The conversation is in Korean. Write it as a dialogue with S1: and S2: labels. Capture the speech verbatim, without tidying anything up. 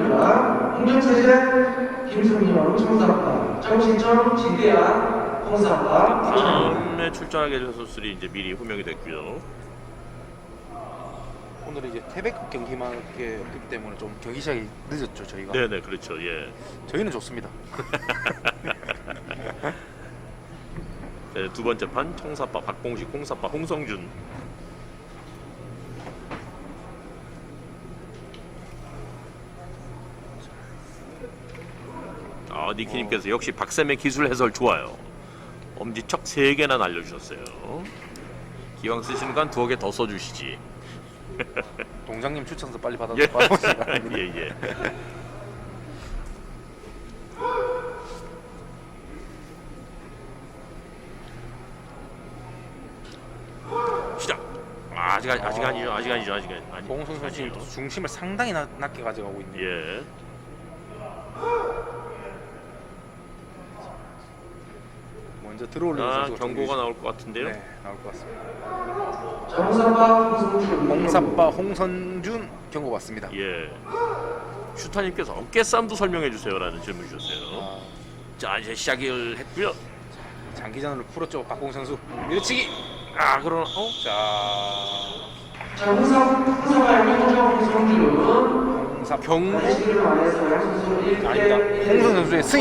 S1: 선수입니다. 홍정세제 김승용 청사파, 정신점 지대한 홍사파.
S2: 다음에 출전하게 될 선수들이 이제 미리 호명이 됐고요.
S3: 오늘 이제 태백급 경기만 이렇게 없기 때문에 좀 경기 시작이 늦었죠 저희가.
S2: 네네 그렇죠. 예.
S3: 저희는 좋습니다.
S2: 네, 두 번째 판 청사파 박봉식, 홍사파 홍성준. 아, 니키님께서 역시 박쌤의 기술 해설 좋아요. 엄지척 세 개나 날려주셨어요. 기왕 쓰시는 건 두어 개 더 써주시지.
S3: 동장님 추천서 빨리 받아
S2: 예.
S3: 받아보시기 바랍니다.
S2: 예, 예. 시작. 아, 아직 아직 아직 아니죠. 아직 아니죠. 아직 아니.
S3: 봉선 선수 지금 중심을 상당히 낮, 낮게 가져가고 있네요.
S2: 예.
S3: 먼저 들어올리는
S2: 아,
S3: 선수가
S2: 경고가
S3: 좀
S2: 나올 것 같은데요.
S3: 네, 나올 것 같습니다.
S1: 자, 홍사파 홍성준.
S3: 홍사빠 홍선준 경고 받습니다.
S2: 예. 슈타님께서 어깨 싸움도 설명해 주세요라는 질문 주셨어요.
S3: 아,
S2: 자, 이제 시작을 했고요.
S3: 장기전으로 풀었죠 박봉 선수. 밀치기.
S2: 아, 그러나 어?
S3: 자,
S1: 자, 홍사 홍사파의 홍정 홍성준.
S3: 홍사 경고
S1: 시기를 말해서 양 선수 일 대
S3: 아니다. 홍선 선수의 스윙.